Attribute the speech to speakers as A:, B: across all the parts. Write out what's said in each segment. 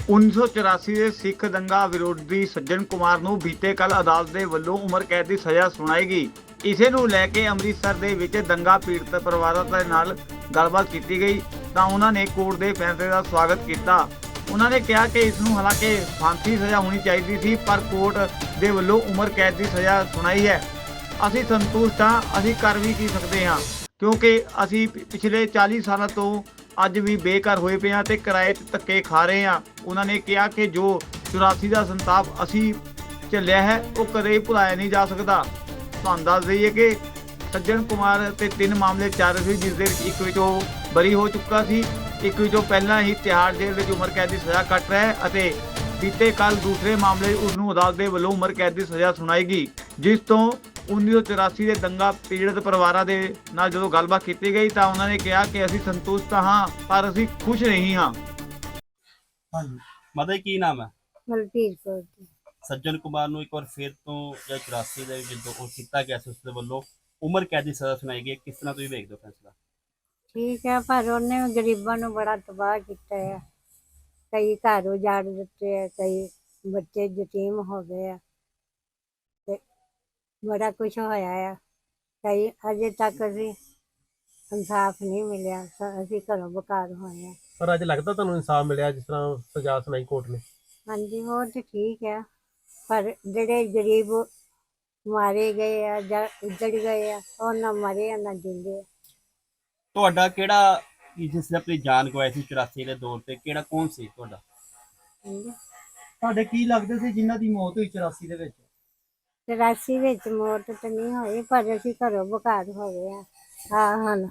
A: 1984 ਦੇ ਸਿੱਖ ਦੰਗਾ ਵਿਰੋਧੀ ਸੱਜਣ ਕੁਮਾਰ ਨੂੰ ਬੀਤੇ ਕੱਲ ਅਦਾਲਤ ਦੇ ਵੱਲੋਂ ਉਮਰ ਕੈਦ ਦੀ ਸਜ਼ਾ ਸੁਣਾਈ ਗਈ। ਇਸੇ ਨੂੰ ਲੈ ਕੇ ਅੰਮ੍ਰਿਤਸਰ ਦੇ ਵਿੱਚ ਦੰਗਾ ਪੀੜਤ ਪਰਿਵਾਰਾਂ ਦੇ ਨਾਲ ਗੱਲਬਾਤ ਕੀਤੀ ਗਈ ਤਾਂ ਉਹਨਾਂ ਨੇ ਕੋਰਟ ਦੇ ਫੈਸਲੇ ਦਾ ਸਵਾਗਤ ਕੀਤਾ। ਉਹਨਾਂ ਨੇ ਕਿਹਾ ਕਿ ਇਸ ਨੂੰ ਹਾਲਾਂਕਿ ਫਾਂਸੀ ਸਜ਼ਾ ਹੋਣੀ ਚਾਹੀਦੀ ਸੀ, ਪਰ ਕੋਰਟ ਦੇ ਵੱਲੋਂ ਉਮਰ ਕੈਦ ਦੀ ਸਜ਼ਾ ਸੁਣਾਈ ਹੈ। ਅਸੀਂ ਸੰਤੁਸ਼ਟ ਹਾਂ। ਅਸੀਂ ਕਰ ਵੀ ਕੀ ਸਕਦੇ ਹਾਂ, ਕਿਉਂਕਿ ਅਸੀਂ ਪਿਛਲੇ 40 ਸਾਲਾਂ ਤੋਂ ਅੱਜ ਵੀ ਬੇਘਰ ਹੋਏ ਪਏ ਹਾਂ ਤੇ ਕਿਰਾਏ ਤੇ ਧੱਕੇ ਖਾ ਰਹੇ ਹਾਂ। ਉਹਨਾਂ ਨੇ ਕਿਹਾ ਕਿ ਜੋ 84 ਦਾ ਸੰਤਾਪ ਅਸੀਂ ਝੱਲਿਆ ਹੈ ਉਹ ਕਦੇ ਭੁਲਾਇਆ ਨਹੀਂ ਜਾ ਸਕਦਾ। ਤੁਹਾਨੂੰ ਦੱਸ ਦਈਏ ਕਿ ਸੱਜਣ ਕੁਮਾਰ ਤੇ 3 ਮਾਮਲੇ ਚੱਲ ਰਹੇ ਸੀ, ਜਿਸ ਦੇ ਵਿੱਚ ਇੱਕ ਵਿੱਚ ਉਹ ਬਰੀ ਹੋ ਚੁੱਕਾ ਸੀ, ਇੱਕ ਵਿੱਚ ਉਹ ਪਹਿਲਾਂ ਹੀ ਤਿਹਾੜ ਜੇਲ੍ਹ ਵਿੱਚ ਉਮਰ ਕੈਦ ਦੀ ਸਜ਼ਾ ਕੱਟ ਰਿਹਾ ਹੈ ਅਤੇ ਬੀਤੇ ਕੱਲ ਦੂਸਰੇ ਮਾਮਲੇ ਉਸ ਨੂੰ ਅਦਾਲਤ ਦੇ ਵੱਲੋਂ ਉਮਰ ਕੈਦ ਦੀ ਸਜ਼ਾ ਸੁਣਾਈ ਗਈ, ਜਿਸ ਤੋਂ 1984 ਦੇ ਦੰਗਾ ਪੀੜਤ ਪਰਿਵਾਰਾਂ ਦੇ ਨਾਲ ਜਦੋਂ ਗੱਲਬਾਤ ਕੀਤੀ ਗਈ ਤਾਂ ਉਹਨਾਂ ਨੇ ਕਿਹਾ ਕਿ ਅਸੀਂ ਸੰਤੁਸ਼ਟ ਹਾਂ, ਪਰ ਅਸੀਂ ਖੁਸ਼ ਨਹੀਂ ਹਾਂ।
B: ਹਾਂਜੀ ਮਾਤਾ ਜੀ, ਕੀ ਨਾਮ ਹੈ?
C: ਮਲਕੀਤ ਕੌਰ ਜੀ।
B: ਸੱਜਣ ਕੁਮਾਰ ਨੂੰ ਇੱਕ ਵਾਰ ਫਿਰ ਤੋਂ ਜਾਂ 84 ਦੇ ਜਦੋਂ ਉਹ ਕੀਤਾ ਗਿਆ ਸੀ ਉਸ ਦੇ ਵੱਲੋਂ ਉਮਰ ਕੈਦ ਦੀ ਸਜ਼ਾ ਸੁਣਾਈ ਗਈ, ਕਿਸ ਤਰ੍ਹਾਂ ਤੁਸੀਂ ਵੇਖਦੇ ਹੋ ਫੈਸਲਾ?
C: ਠੀਕ ਹੈ, ਪਰ ਉਹਨੇ ਵੀ ਗਰੀਬਾਂ ਨੂੰ ਬੜਾ ਤਬਾਹ ਕੀਤਾ ਹੈ। ਕਈ ਘਰ ਉਜਾੜ ਦਿੱਤੇ ਆ, ਕਈ ਬੱਚੇ ਯਤੀਮ ਹੋ ਗਏ ਆ ਤੇ ਬੜਾ ਕੁਛ ਹੋਇਆ ਆ। ਕਈ ਅਜੇ ਤੱਕ ਅਸੀਂ ਇਨਸਾਫ ਨਹੀਂ ਮਿਲਿਆ, ਅਸੀਂ ਘਰੋਂ ਬੇਕਾਰ ਹੋਏ ਆ।
D: ਪਰ ਅੱਜ ਲੱਗਦਾ ਤੁਹਾਨੂੰ ਇਨਸਾਫ ਮਿਲਿਆ ਜਿਸ ਤਰ੍ਹਾਂ ਸਜ਼ਾ ਸੁਣਾਈ ਕੋਰਟ ਨੇ?
C: ਹਾਂਜੀ, ਉਹ ਤੇ ਠੀਕ ਹੈ, ਪਰ ਜਿਹੜੇ ਗਰੀਬ ਮਾਰੇ ਗਏ ਆ ਜਾਂ ਉੱਜੜ ਗਏ ਆ, ਉਹ ਨਾ ਮਰੇ ਆ ਨਾ ਜਿੰਦੇ ਆ।
B: ਤੁਹਾਡਾ ਕਿਹੜਾ ਜਿਸ ਨੇ ਆਪਣੀ ਜਾਨ ਗਵਾਈ ਸੀ 84 ਦੇ ਦੌਰ ਤੇ, ਕਿਹੜਾ ਕੌਣ ਸੀ ਤੁਹਾਡਾ?
C: ਹਾਂਜੀ,
E: ਤੁਹਾਡੇ ਕੀ ਲੱਗਦੇ ਸੀ ਜਿਨ੍ਹਾਂ ਦੀ ਮੌਤ ਹੋਈ 84 ਦੇ ਵਿੱਚ?
C: 84 ਵਿੱਚ ਮੌਤ ਤਾਂ ਨਹੀਂ ਹੋਈ, ਪਰ ਅਸੀਂ ਘਰੋਂ ਬੇਕਾਰ ਹੋ ਗਏ ਆ। ਹਾਂ ਹਨ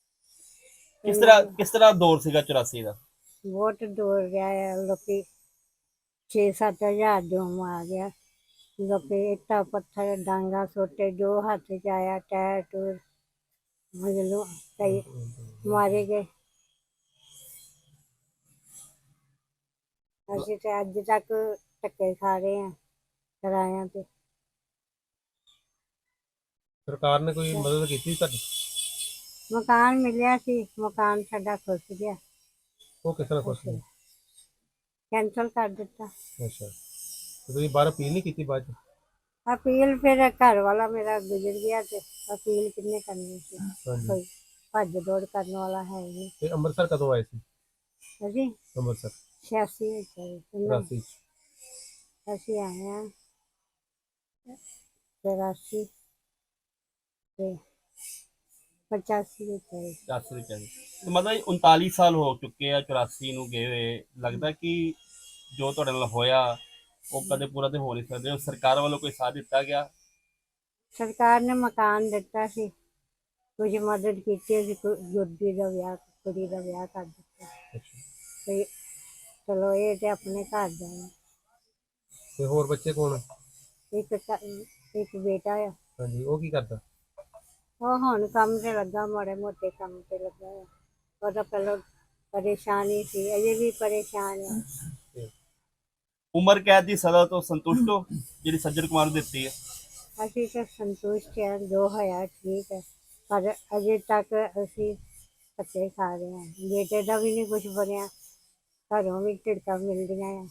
B: ਕਿਸ ਤਰ੍ਹਾਂ ਦੌਰ ਸੀਗਾ 84 ਦਾ?
C: ਬਹੁਤ ਦੂਰ ਗਿਆ ਹੈ, ਲੋਕੀ 6-7 ਹਜ਼ਾਰ ਜੋ ਮਾਰ ਗਿਆ। ਲੋਕੀ ਇੱਟਾਂ ਪੱਥਰ ਡਾਂਗਾ ਸੋਟੇ ਜੋ ਹੱਥ ਚ ਆਇਆ, ਟਾਇਰ ਟੂਰ ਮਜਲੂ ਕਈ ਮਾਰੇ ਗਏ। ਅਸੀਂ ਤੇ ਅੱਜ ਤੱਕ ਧੱਕੇ ਖਾ ਰਹੇ ਹਾਂ ਕਿਰਾਇਆਂ ਤੇ।
D: ਸਰਕਾਰ ਨੇ ਕੋਈ ਮਦਦ ਕੀਤੀ ਤੁਹਾਡੀ?
C: ਮਕਾਨ ਮਿਲਿਆ ਸੀ, ਮਕਾਨ ਸਾਡਾ ਖੁੱਸ ਗਿਆ,
D: ਉਹ ਕਿਸ ਤਰ੍ਹਾਂ ਖੁਸ਼ ਹੋਏ?
C: ਕੈਂਸਲ ਕਰ ਦਿੱਤਾ।
D: ਅੱਛਾ, ਤੇ ਤੁਸੀਂ ਬਾਹਰ ਅਪੀਲ ਨਹੀਂ ਕੀਤੀ ਬਾਅਦ ਚ?
C: ਅਪੀਲ ਫਿਰ ਘਰ ਵਾਲਾ ਮੇਰਾ ਗੁਜ਼ਰ ਗਿਆ ਤੇ ਅਪੀਲ ਕਿੰਨੇ ਕਰਨੀ ਸੀ,
D: ਹਾਂਜੀ।
C: ਕੋਈ ਭੱਜ ਦੌੜ ਕਰਨ ਵਾਲਾ ਹੈ ਨਹੀਂ।
D: ਤੇ ਅੰਮ੍ਰਿਤਸਰ ਕਦੋਂ ਆਏ ਸੀ?
C: ਅਸੀਂ
D: ਅੰਮ੍ਰਿਤਸਰ
C: 86 ਵਿੱਚ ਆਏ ਸੀ।
D: 84 ਚ।
C: ਅਸੀਂ ਆਏ ਹਾਂ 84 ਤੇ 85 ਵਿੱਚ ਆਏ।
B: 84 ਵਿੱਚ ਆਏ ਤੇ ਮਤਲਬ 39 ਸਾਲ ਹੋ ਚੁੱਕੇ ਆ 84 ਨੂੰ ਗਏ ਹੋਏ। ਲੱਗਦਾ ਕਿ ਜੋ ਤੁਹਾਡੇ ਨਾਲ ਹੋਇਆ ਉਹ ਕਦੇ ਪੂਰਾ ਤੇ ਹੋ ਨਹੀਂ ਸਕਦੇ। ਸਰਕਾਰ ਵੱਲੋਂ ਕੋਈ ਸਾਥ ਦਿੱਤਾ ਗਿਆ?
C: ਸਰਕਾਰ ਨੇ ਮਕਾਨ ਦਿੱਤਾ ਸੀ, ਕੁਝ ਮਦਦ ਕੀਤੀ ਸੀ, ਗੁੱਡੀ ਦਾ ਵਿਆਹ, ਕੁੜੀ ਦਾ ਵਿਆਹ ਕਰ ਦਿੱਤਾ ਤੇ ਚਲੋ ਇਹ ਤੇ ਆਪਣੇ ਘਰ ਜਾਣਾ।
D: ਤੇ ਹੋਰ ਬੱਚੇ ਕੌਣ?
C: ਇੱਕ ਬੇਟਾ ਆ।
D: ਹਾਂਜੀ, ਉਹ ਕੀ ਕਰਦਾ?
C: ਉਹ ਹੁਣ ਕੰਮ ਤੇ ਲੱਗਾ, ਮਾੜੇ ਮੋਟੇ ਕੰਮ ਤੇ ਲੱਗਾ ਆ। ਉਹਦਾ ਪਹਿਲਾਂ ਪਰੇਸ਼ਾਨੀ ਸੀ, ਅਜੇ ਵੀ ਪਰੇਸ਼ਾਨ ਆ।
B: ਉਮਰ ਕੈਦ ਦੀ ਸਜ਼ਾ ਤੋਂ ਸੰਤੁਸ਼ਟ ਹੋ ਜਿਹੜੀ ਸੱਜਣ ਕੁਮਾਰ ਨੂੰ ਦਿੱਤੀ ਹੈ?
C: ਅਸੀਂ ਤਾਂ ਸੰਤੁਸ਼ਟ ਹਾਂ, ਜੋ ਹੋਇਆ ਠੀਕ ਹੈ, ਪਰ ਅਜੇ ਤੱਕ ਅਸੀਂ ਧੱਕੇ ਖਾ ਰਹੇ ਹਾਂ। ਬੇਟੇ ਦਾ ਵੀ ਨਹੀਂ ਕੁਛ ਬਣਿਆ, ਘਰੋਂ ਵੀ ਝਿੜਕਾਂ ਮਿਲਦੀਆਂ ਆ।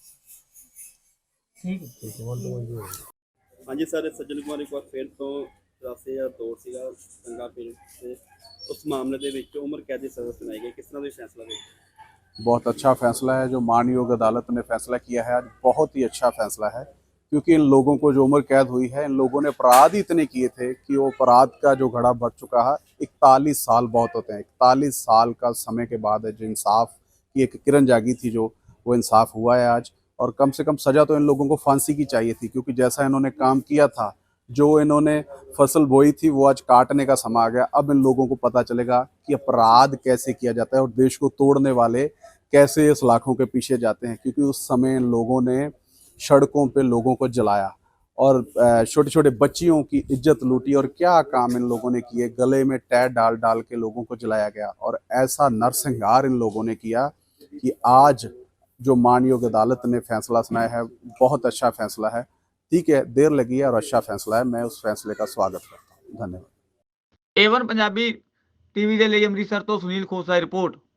D: ਠੀਕ ਹੈ, ਮਨਜ਼ੂਰ ਹੈ।
B: ਹਾਂਜੀ ਸਰ, ਸੱਜਣ ਕੁਮਾਰ ਇੱਕ ਵਾਰ ਫਿਰ ਤੋਂ 84 ਦਾ ਦੌਰ ਸੀਗਾ ਦੰਗਾ ਪੀੜਤ ਤੇ ਉਸ ਮਾਮਲੇ ਦੇ ਵਿੱਚ ਉਮਰ ਕੈਦ ਦੀ ਸਜ਼ਾ ਸੁਣਾਈ ਗਈ, ਕਿਸ ਤਰ੍ਹਾਂ ਦਾ ਫੈਸਲਾ ਦੇਖਦੇ?
F: बहुत अच्छा फैसला है जो मानयोग अदालत ने फैसला किया है आज, बहुत ही अच्छा फैसला है, क्योंकि इन लोगों को जो उम्र कैद हुई है, इन लोगों ने अपराध ही इतने किए थे कि वो अपराध का जो घड़ा बढ़ चुका है। 41 साल बहुत होते हैं, 41 साल का समय के बाद जो इंसाफ की एक किरण जागी थी, जो वो इंसाफ हुआ है आज। और कम से कम सज़ा तो इन लोगों को फांसी की चाहिए थी, क्योंकि जैसा इन्होंने काम किया था, जो इन्होंने फसल बोई थी वो आज काटने का समय आ गया। अब इन लोगों को पता चलेगा कि अपराध कैसे किया जाता है और देश को तोड़ने वाले कैसे इस लाखों के पीछे जाते हैं, क्योंकि उस समय इन लोगों ने सड़कों पे लोगों को जलाया और छोटे छोटे बच्चियों की इज्जत लूटी। और क्या काम इन लोगों ने किए, गले में टायर डाल डाल के लोगों को जलाया गया। और ऐसा नरसंहार इन लोगों ने किया कि आज जो मानयोग अदालत ने फैसला सुनाया है, बहुत अच्छा फैसला है। ठीक है, देर लगी है और अच्छा फैसला है, मैं उस फैसले का स्वागत करता हूँ। धन्यवाद।
A: A1 ਪੰਜਾਬੀ ਟੀਵੀ ਦੇ ਲਈ ਅੰਮ੍ਰਿਤਸਰ ਤੋਂ ਸੁਨੀਲ ਖੋਸਾ ਦੀ ਰਿਪੋर्ट।